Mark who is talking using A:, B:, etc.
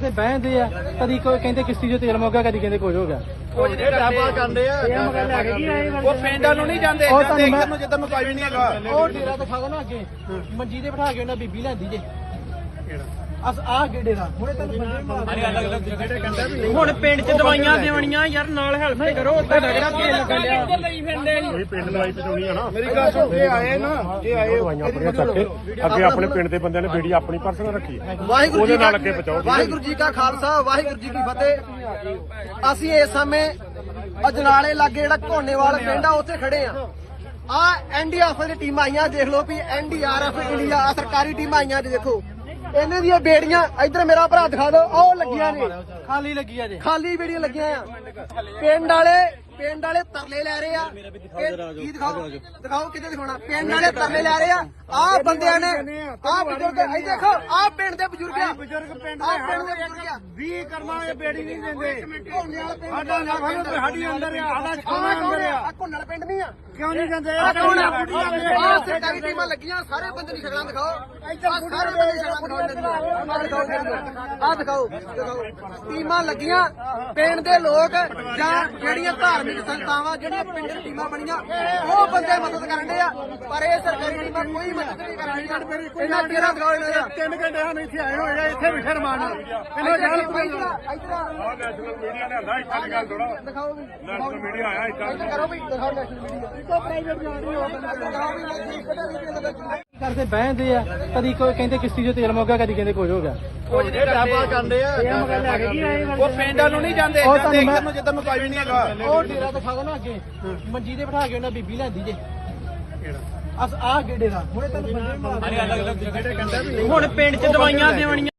A: ਕਰਦੇ ਬਹਿੰਦੇ ਆ, ਕਦੀ ਕੋਈ ਕਹਿੰਦੇ ਕਿਸ਼ਤੀ ਚੋਂ ਤੇਲ ਮੁੱਕ ਗਿਆ, ਕਦੀ ਕਹਿੰਦੇ ਕੁਝ ਹੋ ਗਿਆ।
B: ਉਹ ਜਿਹੜੇ ਡਰਾਬਾ ਕਰਦੇ ਆ ਉਹ ਪਿੰਡਾਂ ਨੂੰ ਨਹੀਂ ਜਾਂਦੇ, ਇੱਧਰ ਨੂੰ ਜਿੱਧਰ ਨੂੰ ਕੋਈ ਵੀ ਨਹੀਂ ਹੈਗਾ।
A: ਉਹ ਡੇਰਾ ਦਿਖਾ ਦੋ ਨਾ ਅੱਗੇ, ਮੰਜੀ ਤੇ ਬਿਠਾ ਕੇ ਉਹਨਾਂ ਬੀਬੀ ਲੈਂਦੀ ਜੇ ਅਸ ਆ ਗੇੜੇ ਦਾ ਹੁਣੇ ਤੈਨੂੰ
C: ਹੁਣ ਪਿੰਡ 'ਚ ਦਵਾਈਆਂ ਦੇਵਣੀਆਂ ਯਾਰ, ਨਾਲ ਹੈਲਪ ਤੇ ਕਰੋ। ਉੱਥੇ ਕਿਹੜਾ ਤੇਲ ਲੱਗਣ ਡਿਆ ਲਈ ਫਿਰਦੇ
D: ਕੋਈ ਪਿੰਡ ਦਵਾਈ ਪਹੁੰਚਾਉਣੀ ਆ ਨਾ।
B: ਮੇਰੀ ਗੱਲ ਸੁਣ, ਇਹ ਆਏ ਨਾ, ਇਹ ਆਏ
D: ਦਵਾਈਆਂ ਆਪਣੀਆਂ ਚੱਕੇ ਅੱਗੇ ਆਪਣੇ ਪਿੰਡ ਦੇ ਬੰਦਿਆਂ ਨੇ ਬੇੜੀ ਆਪਣੀ ਪਰਸਨਲ ਰੱਖੀ ਹੈ,
E: ਵਾਹਿਗੁਰੂ
D: ਉਹਦੇ
E: ਜੀ
D: ਨਾਲ ਅੱਗੇ ਪਹੁੰਚਾਓ।
E: ਵਾਹਿਗੁਰੂ ਜੀ ਕਾ ਖਾਲਸਾ, ਵਾਹਿਗੁਰੂ ਜੀ ਕੀ ਫਤਿਹ। ਅਸੀਂ ਇਸ ਸਮੇਂ ਅਜਨਾਲੇ ਲਾਗੇ ਜਿਹੜਾ ਘੋਨੇਵਾਲ ਪਿੰਡ ਆ ਉੱਥੇ ਖੜੇ ਆ ਐਨਡੀਆਰਐਫ ਦੀ ਟੀਮਾਂ ਆਈਆਂ, ਦੇਖ ਲਓ ਵੀ ਐਨਡੀਆਰਐਫ ਇੰਡੀਆ ਸਰਕਾਰੀ ਟੀਮਾਂ ਆਈਆਂ ਜੀ। ਦੇਖੋ ਇਹਨਾਂ ਦੀਆਂ ਬੇੜੀਆਂ, ਇੱਧਰ ਮੇਰਾ ਭਰਾ ਦਿਖਾ ਦਿਓ, ਉਹ ਲੱਗੀਆਂ ਨੇ,
A: ਖਾਲੀ ਲੱਗੀ ਆ ਜੇ,
E: ਖਾਲੀ ਬੇੜੀਆਂ ਲੱਗੀਆਂ ਆ। ਪਿੰਡ ਵਾਲੇ ਤਰਲੇ ਲੈ ਰਹੇ ਆ। ਕੀ ਦਿਖਾਓ ਕਿਤੇ ਦਿਖਾਉਣਾ। ਪਿੰਡ ਵਾਲੇ ਤਰਲੇ ਲੈ ਰਹੇ ਆ। ਆਹ ਬੰਦਿਆਂ ਨੇ, ਆਹ ਬਜ਼ੁਰਗ, ਇਹ ਦੇਖੋ ਆਹ ਪਿੰਡ ਦੇ ਬਜ਼ੁਰਗ ਆ,
B: ਬਜ਼ੁਰਗ ਪਿੰਡ
E: ਆਹ ਪਿੰਡ ਦੇ ਬਜ਼ੁਰਗ ਆ।
B: 20 ਕਰਮਾਂ ਇਹ ਬੇੜੀ ਨਹੀਂ ਦਿੰਦੇ।
E: ਸਾਡਾ
B: ਸਾਡੀ ਅੰਦਰ ਆ, ਸਾਡਾ ਛਾਵਾਂ ਅੰਦਰ ਆ।
E: ਘੁੰਨਲ ਪਿੰਡ ਨਹੀਂ ਆ,
B: ਕਿਉਂ ਨਹੀਂ ਜਾਂਦੇ?
E: ਆਹ ਸਰਕਾਰੀ ਟੀਮਾਂ ਲੱਗੀਆਂ, ਸਾਰੇ ਬੰਦੇ ਦੀ ਸ਼ਕਲਾਂ ਦਿਖਾਓ। ਆਹ ਸਾਰੇ ਬੰਦੇ ਦੀ ਸ਼ਕਲਾਂ ਦਿਖਾਓ। ਆਹ ਦਿਖਾਓ ਟੀਮਾਂ ਲੱਗੀਆਂ। ਪਿੰਡ ਦੇ ਲੋਕ ਜਾਂ ਜਿਹੜੀਆਂ ਧਾਰਮਿਕ ਸੰਸਥਾਵਾਂ, ਜਿਹੜੀਆਂ ਪਿੰਡ ਦੀ ਟੀਮਾਂ ਬਣੀਆਂ, ਉਹ ਬੰਦੇ ਮਦਦ ਕਰਨ ਦੇ ਆ, ਪਰ ਇਹ ਸਰਕਾਰੀ ਟੀਮਾਂ ਕੋਈ ਮਦਦ ਨਹੀਂ ਕਰ ਰਹੀਆਂ। ਇਹਨਾਂ ਕਿਹੜਾ ਦਿਖਾਓ ਇਹਨਾਂ ਦਾ
B: 3 ਘੰਟੇ ਸਾਨੂੰ ਇੱਥੇ ਆਏ ਹੋਏ ਆ, ਇੱਥੇ ਵੀ ਸ਼ਰਮਾਨ ਇਹਨਾਂ ਜਾਲ
D: ਨੈਸ਼ਨਲ ਮੀਡੀਆ ਨੇ ਆਂਦਾ ਇੱਥੇ ਦੀ ਗੱਲ ਥੋੜਾ।
E: ਦਿਖਾਓ ਵੀ,
D: ਨੈਸ਼ਨਲ ਮੀਡੀਆ ਆਇਆ ਇੱਥੇ।
E: ਕਰੋ ਵੀ, ਦਿਖਾਓ ਨੈਸ਼ਨਲ ਮੀਡੀਆ।
A: ਕਰਦੇ ਬਹਿੰਦੇ ਆ, ਕਦੀ ਕੋਈ ਕਹਿੰਦੇ ਕਿਸ਼ਤੀ ਚੋਂ ਤੇਲ ਮੁੱਕ ਗਿਆ, ਕਦੀ ਕਹਿੰਦੇ ਕੁਝ ਹੋ ਗਿਆ।
B: ਉਹ ਜਿਹੜੇ ਡਰਾਬਾ ਕਰਦੇ ਆ ਉਹ ਪਿੰਡਾਂ ਨੂੰ ਨਹੀਂ ਜਾਂਦੇ, ਇੱਧਰ ਨੂੰ ਜਿੱਧਰ ਨੂੰ ਕੋਈ ਵੀ ਨਹੀਂ ਹੈਗਾ।
A: ਉਹ ਡੇਰਾ ਦਿਖਾ ਦੋ ਨਾ ਅੱਗੇ, ਮੰਜੀ ਤੇ ਬਿਠਾ ਕੇ ਉਹਨਾਂ ਬੀਬੀ ਲੈਂਦੀ ਜੇ ਅਸ ਆ ਗੇੜੇ ਦਾ ਹੁਣੇ ਤੈਨੂੰ
C: ਹੁਣ ਪਿੰਡ 'ਚ ਦਵਾਈਆਂ ਦੇਵਣੀਆਂ।